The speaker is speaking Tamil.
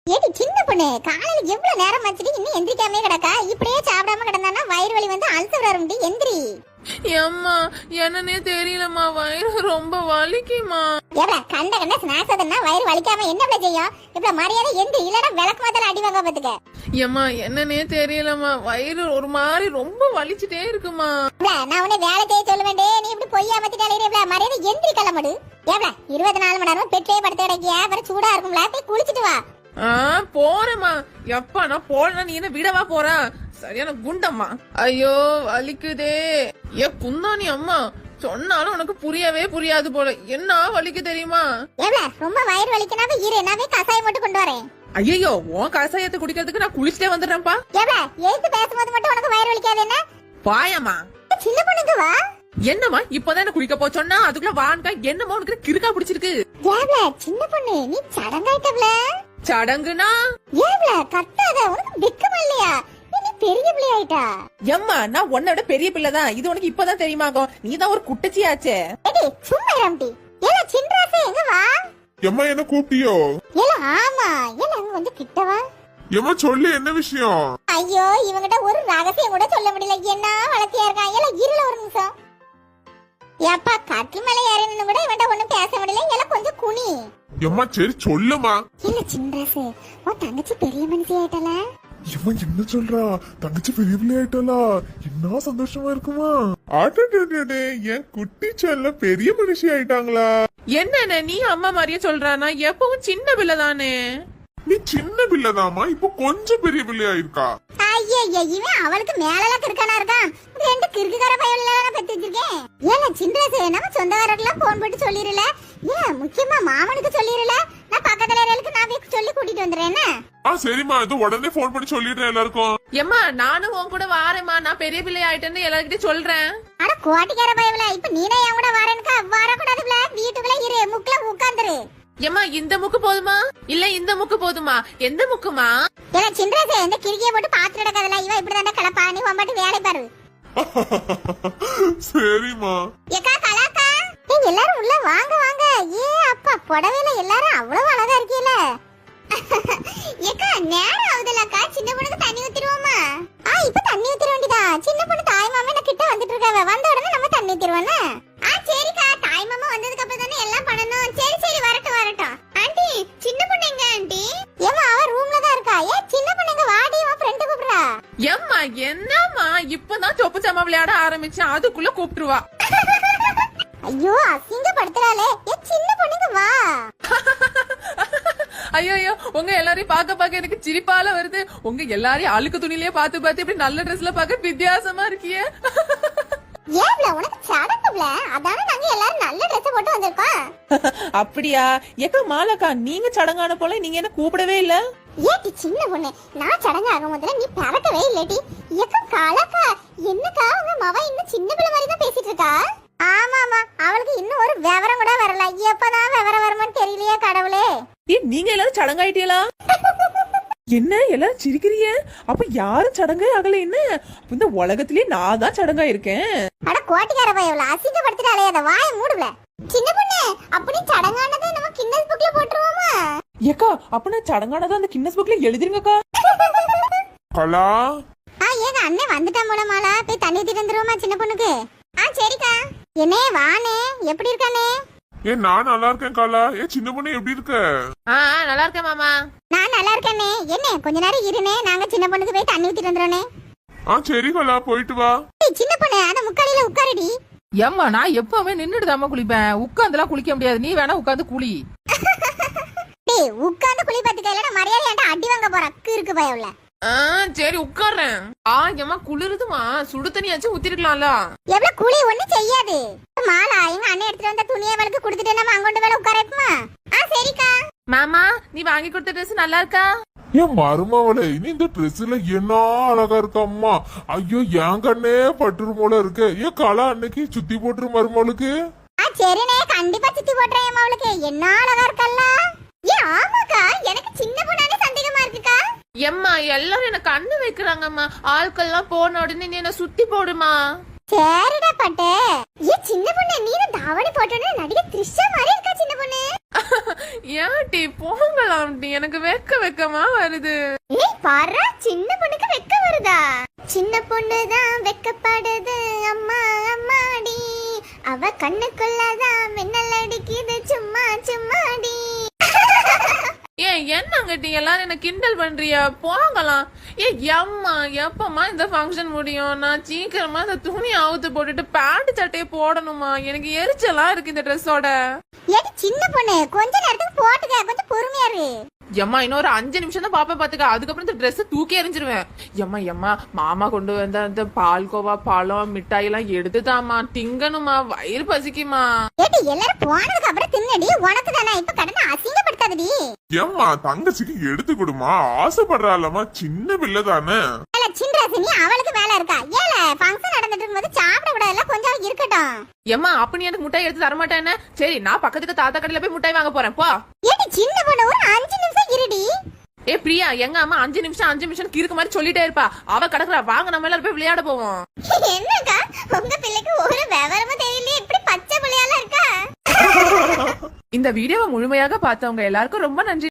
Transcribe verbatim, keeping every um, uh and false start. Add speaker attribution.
Speaker 1: ஏடி சின்ன பொண்ணு, காலையில எவ்வளவு நேரம் ஆச்சுடி இன்னும் எந்திரிக்காமே கிடக்கா? இப்படியே சாப்பிடாம கிடந்தானா வயிறு வலி வந்து அல்சர் வரும்டி. எந்திரி.
Speaker 2: ஏம்மா என்னன்னே தெரியலம்மா, வயிறு ரொம்ப வலிக்குமா.
Speaker 1: எவ்வளவு கண்ட கண்ட ஸ்நாக்ஸ் அதனா வயிறு வலிக்காம என்ன பிள்ளை செய்யும்? இவ்வளவு மரியாதை எந்திரி, இல்லனா விளக்கு மாத்தல அடி வாங்க பாத்துக்க.
Speaker 2: ஏம்மா என்னன்னே தெரியலம்மா, வயிறு ஒரு மாதிரி ரொம்ப வலிச்சுட்டே இருக்குமா.
Speaker 1: நான் உன்னை வேலை செய்ய சொல்ல வேண்டே, நீ இப்படி பொய்யா மத்திட்டாலே மரியாதை எந்திரி கிளம்படு. எவ்வளவு இருபத்தி நாலு மணி நேரம் பெற்றே படுத்து கிடக்கியா? அப்புறம் சூடா இருக்கும்ல, போய் குளிச்சுட்டு வா.
Speaker 2: ஆ போறேம்மா. எப்பா நான் போனா நீ என்ன விடவா போறா? சரியான குண்டம்மா. ஐயோ வலிக்குதே. ஏ குந்தாணி அம்மா, சொன்னாலும் உனக்கு புரியவே புரியாது போல. என்ன வலிக்கு தெரியுமா?
Speaker 1: எவ்வளவு ரொம்ப வயிறு வலிக்கனாவே இரு, நான் போய் கசாயம் மட்டும் கொண்டு வரேன்.
Speaker 2: ஐயோ உன் கசாயத்தை குடிக்கிறதுக்கு நான் குளிச்சுட்டே வந்துடுறேன்ப்பா.
Speaker 1: எவ்வளவு எழுத்து பேசும்போது மட்டும் உனக்கு வயிறு வலிக்காது என்ன?
Speaker 2: பாயம்மா.
Speaker 1: சின்ன பொண்ணுக்கு வா.
Speaker 2: என்னம்மா இப்பதான் என்ன குளிக்க போச்சோன்னா அதுக்குள்ள வான்கா என்னம்மா உனக்கு கிறுக்கா பிடிச்சிருக்கு?
Speaker 1: எவ்வளவு சின்ன பொண்ணு, நீ சடங்காயிட்டவள.
Speaker 2: சடங்குனா
Speaker 1: எவ்வளவு கத்தாத, உனக்கு வெக்கமா இல்லையா? நீ பெரிய பிள்ளை ஆயிட்டா.
Speaker 2: எம்மா நான் உன்னை விட பெரிய பிள்ளைதான், இது உனக்கு இப்பதான் தெரியுமாகும். நீதான் ஒரு குட்டச்சியாச்சே.
Speaker 1: ஏடி சும்மா இரும்டி. ஏல சின்ராசே எங்க வா?
Speaker 3: எம்மா என்ன கூப்பிட்டியோ?
Speaker 1: ஏல ஆமா, ஏல அங்க வந்து கிட்ட வா.
Speaker 3: எம்மா சொல்லு, என்ன விஷயம்?
Speaker 1: ஐயோ இவங்கிட்ட ஒரு ரகசியம் கூட சொல்ல முடியல. என்ன வளர்த்தியா இருக்கான். ஏல இருல ஒரு நிமிஷம். ஏப்பா கட்டில் மேல ஏறணும் கூட இவன்ட்ட ஒண்ணும் பேச முடியல. ஏல கொஞ்சம் குனி.
Speaker 3: எம்மா சரி சொல்லுமா.
Speaker 1: ஏல சின்ராசே, உன் தங்கச்சி பெரிய மனுஷி ஆயிட்டல.
Speaker 3: இவன் என்ன சொல்றா? தங்கச்சி பெரிய பிள்ளை ஆயிட்டாளா? என்ன சந்தோஷமா இருக்குமா? ஆட்டே என் குட்டி செல்ல பெரிய மனுஷி ஆயிட்டாங்களா?
Speaker 2: என்ன நீ அம்மா மாதிரியே சொல்றானா? எப்பவும் சின்ன பிள்ளை தானே.
Speaker 3: நீ சின்ன பிள்ளைதாமா, இப்போ கொஞ்சம் பெரிய பிள்ளை ஆயிருக்கா.
Speaker 1: ஐயே இவன் அவளுக்கு மேலலாம் கிறுக்கானா இருக்கான். ரெண்டு கிறுக்குக்கார பையன் பெத்து வச்சிருக்கேன். ஏல சின்ராசே, நம்ம சொந்தக்காரர்கள்லாம் போன் போட்டு சொல்லிரல. ஏன் முக்கியமா மாமனுக்கு சொல்லிரல. நான் பக்கத்துல இருக்கறதுக்கு நான் போய் சொல்லி கூட்டிட்டு வந்துறேன்.
Speaker 3: ஆ சரிம்மா, இது உடனே போன் பண்ணி சொல்லிடுறேன் எல்லாருக்கும்.
Speaker 2: எம்மா நானும் உன் கூட வாரேம்மா, நான் பெரிய பிள்ளை ஆயிட்டேன்னு எல்லார்கிட்டயும் சொல்றேன்.
Speaker 1: அட கோட்டிக்கார பயவல, இப்ப நீனே என் கூட வரேன்க்கா? வரக்கூடாதுல, வீட்டுக்குள்ள இரு, முக்குல உட்கார்ந்துரு.
Speaker 2: எம்மா இந்த முக்கு போதுமா இல்ல இந்த முக்கு போதுமா? எந்த முக்குமா?
Speaker 1: ஏல சின்ராசே, இந்த கிறுக்கிய போட்டு பாத்துட்டு கிடக்கறதுல இவ இப்படி தான கிளப்பா. நீ வம்பட்டு வேலை பாரு.
Speaker 3: சரிம்மா.
Speaker 1: ஏக்கா கலாக்கா, நீங்க எல்லாரும் உள்ள வாங்க வாங்க. ஏ அப்பா புடவையில எல்லாரும் அவ்வளவு அழகா இருக்கீல. ஏக்கா நேரம் ஆகுதுலக்கா, சின்ன பொண்ணுக்கு தண்ணி ஊத்திடுவோமா? ஆ இப்ப தண்ணி ஊத்திர வேண்டியதா. சின்ன பொண்ணு தாய் மாமா என்ன கிட்ட வந்துட்டு இருக்காவ, வந்த உடனே நம்ம தண்ணி ஊத்திடுவோம்னா? ஆ சரிக்கா, தாய் மாமா வந்ததுக்கு அப்புறம் தானே எல்லாம் பண்ணணும். சரி சரி வரட்டும் வரட்டும். ஆண்டி சின்ன பொண்ணு எங்க ஆண்டி? ஏமா அவ ரூம்ல தான் இருக்கா. ஏ சின்ன பொண்ணு எங்க வாடி, உன் ஃப்ரெண்ட் கூப்பிடுறா.
Speaker 2: எம்மா என்னம்மா இப்பதான் சொப்பு சாமா விளையாட ஆரம்பிச்சேன், அதுக்குள்ள கூப்பிட்டுருவா.
Speaker 1: ஐயோ அசிங்கப்படுத்துறாளே. ஏ சின்ன பொண்ணுங்க வா.
Speaker 2: ஐயோ ஐயோ உங்க எல்லாரையும் பாக்க பாக்க எனக்கு சிரிப்பால வருது. உங்க எல்லாரையும் அழுக்கு துணிலேயே பாத்து பாத்து இப்படி நல்ல ட்ரெஸ்ல பாக்க வித்தியாசமா இருக்கியே.
Speaker 1: ஏவ்ல உனக்கு சடங்குல அதானே நாங்க எல்லாரும் நல்ல Dress போட்டு வந்திருக்கோம்.
Speaker 2: அப்படியா? ஏக்கா மாலக்கா, நீங்க சடங்கான போல நீங்க என்ன கூப்பிடவே இல்ல?
Speaker 1: ஏடி சின்ன பொண்ணு, நான் சடங்கு ஆகும் முதல்ல நீ பறக்கவே இல்லடி. ஏக்கா காலக்கா, என்னக்கா உங்க மவ இன்னும் சின்ன பிள்ளை மாதிரி தான் பேசிட்டு இருக்கா? ஆமாமா, அவளுக்கு இன்னும் ஒரு விவரம் கூட வரல. எப்பதான் விவரம் வருமான்னு தெரியலையே கடவுளே.
Speaker 2: ஏ நீங்க எல்லாரும் சடங்காயிட்டீங்களா? என்ன எல்லாரும் சிரிக்கிறீங்க? அப்ப யாரும் சடங்கே ஆகல என்ன? இந்த உலகத்திலே நான் தான் சடங்கா இருக்கேன்.
Speaker 1: அட கோட்டிக்கார பையவள, அசிங்கப்படுத்திட்டாலே, அத வாயை மூடுல. சின்ன பொண்ணு, அப்படி சடங்கானதை நம்ம கின்னஸ் புக்ல போட்டுருவோமா?
Speaker 2: ஏக்கா அப்ப நான் சடங்கானதை அந்த கின்னஸ் புக்ல எழுதிருங்கக்கா.
Speaker 3: கலா.
Speaker 1: ஆ ஏங்க அண்ணே வந்துட்டா மூலமாலா, போய் தண்ணி ஊத்திட்டு வந்துருவோமா சின்ன பொண்ணுக்கு? ஆ சரிக்கா. என்னே வானே, எப்படி இருக்கானே?
Speaker 3: ஏ நான் நல்லா இருக்கேன் கலா. ஏ சின்ன பொண்ணு எப்படி இருக்க?
Speaker 2: ஆ நல்லா இருக்கேன் மாமா.
Speaker 1: நான் நல்லா இருக்கேனே. என்ன கொஞ்ச நேரம் இருனே, நாங்க சின்ன பொண்ணுக்கு போய் தண்ணி ஊத்திட்டு வந்துறோனே.
Speaker 3: ஆ சரி கலா, போயிட்டு வா.
Speaker 1: ஏய் சின்ன பொண்ணு, அந்த முக்காலில உட்காருடி.
Speaker 2: ஏம்மா நான் எப்பவுமே நின்னுட்டு தாம்மா குளிப்பேன், உட்கார்ந்துலாம் குளிக்க முடியாது. நீ வேணா உட்கார்ந்து குளி.
Speaker 1: டேய் உட்கார்ந்து குளி பாத்துக்க, இல்லனா மரியாதை ஏன்டா அடி வாங்க போற கிறுக்கு பயவுல.
Speaker 2: ஆ சரி உட்கார்றேன். ஆ ஏம்மா குளிருதுமா, சுடு தண்ணியாச்சும் ஊத்திருக்கலாம்ல.
Speaker 1: எவ்வளவு குளி ஒண்ணு செய்யாது. மாலா எங்க அண்ணன் எடுத்துட்டு வந்த துணியை அவளுக்கு கொடுத்துட்டு நம்ம அங்கொண்டு வேலை உட்கார வைப்போமா? ஆ சரிக்கா.
Speaker 2: மாமா நீ வாங்கி கொடுத்த ட்ரெஸ் நல்லா இருக்கா?
Speaker 3: ஏன் மருமவளே, இனி இந்த ட்ரெஸ்ல என்ன அழகா இருக்கம்மா. ஐயோ என் கண்ணே பட்டுரு போல இருக்கு. ஏன் கலா அன்னைக்கு சுத்தி போட்டுரு மருமவளுக்கு.
Speaker 1: ஆ சரினே, கண்டிப்பா சுத்தி போடுறேன் அவளுக்கு. என்ன அழகா இருக்கல்ல. ஏ ஆமாக்கா, எனக்கு சின்ன பொண்ணானே சந்தேகமா இருக்குக்கா.
Speaker 2: எம்மா எல்லாரும் எனக்கு கண்ணு வைக்கிறாங்கம்மா, ஆட்கள்லாம் போன உடனே நீ என்ன சுத்தி போடுமா.
Speaker 1: சரிடா பட்டு. ஏ சின்ன பொண்ணு, நீ தாவணி போட்டோன்னு நடிகை த்ரிஷா மாதிரி இருக்கா சின்ன பொண்ணு.
Speaker 2: ஏன்டி போங்கலாம் டி, எனக்கு வெக்க வெக்கமா வருது.
Speaker 1: ஏய் பாரு, சின்ன பொண்ணுக்கு வெக்க வருதா? சின்ன பொண்ணுதான் வெக்கப்படுது அம்மா அம்மாடி, அவ கண்ணுக்குள்ளதான் மின்னல் அடிக்குது சும்மா சும்மாடி.
Speaker 2: ஏன் என்னங்க டி எல்லாரும் என்ன கிண்டல் பண்றியா? போங்கலாம். ஏ எம்மா எப்பமா இந்த ஃபங்க்ஷன் முடியும்? நான் சீக்கிரமா இந்த துணி அவுத்து போட்டுட்டு பேண்ட் சட்டையை போடணுமா? எனக்கு எரிச்சலா இருக்கு இந்த ட்ரெஸ்ஸோட.
Speaker 1: ஏடி சின்ன பொண்ணு, கொஞ்ச நேரத்துக்கு போட்டுக்க, கொஞ்சம் பொறுமையா இரு.
Speaker 2: எம்மா இன்னொரு அஞ்சு நிமிஷம் தான் பாப்பா பாத்துக்க, அதுக்கப்புறம் இந்த ட்ரெஸ் தூக்கி எறிஞ்சிருவேன். எம்மா எம்மா மாமா கொண்டு வந்த அந்த பால்கோவா பழம் மிட்டாய் எல்லாம் எடுத்துதாமா, திங்கணுமா, வயிறு பசிக்குமா.
Speaker 1: ஏடி எல்லாரும் போனதுக்கு அப்புறம் தின்னடி, உனக்கு தானே. இப்ப கடனை அசிங்கப்படுத்தாதடி.
Speaker 3: ஏம்மா தங்கச்சிக்கு எடுத்து கொடுமா, ஆசைப்படுறாளம்மா, சின்ன பிள்ளை தானே.
Speaker 1: ஏல சின்ராசினி, அவளுக்கு வேலை இருக்கா? ஏல ஃபங்க்ஷன் நடந்துட்டு இருக்கும்போது சாப்பிட விடல, கொஞ்சம் இருக்கட்டும்.
Speaker 2: எம்மா அப்ப நீ எனக்கு முட்டாய் எடுத்து தரமாட்டேன்னு? சரி நான் பக்கத்துக்கு தாத்தா கடையில போய் முட்டாய் வாங்க போறேன் போ.
Speaker 1: ஏடி சின்ன பொண்ணு, ஒரு அஞ்சு நிமிஷம் இருடி.
Speaker 2: ஏ பிரியா, எங்க அம்மா அஞ்சு நிமிஷம் அஞ்சு நிமிஷம் கிறுக்கு மாதிரி சொல்லிட்டே இருப்பா. அவ கிடக்குறா, வாங்க நம்ம எல்லாரும் போய் விளையாட போவோம்.
Speaker 1: என்னக்கா உங்க பிள்ளைக்கு ஒரு விவரமும் தெரியல, இப்படி பச்சை பிள்ளையால இருக்கா?
Speaker 2: இந்த வீடியோவை முழுமையாக பார்த்தவங்க எல்லாருக்கும் ரொம்ப நன்றி.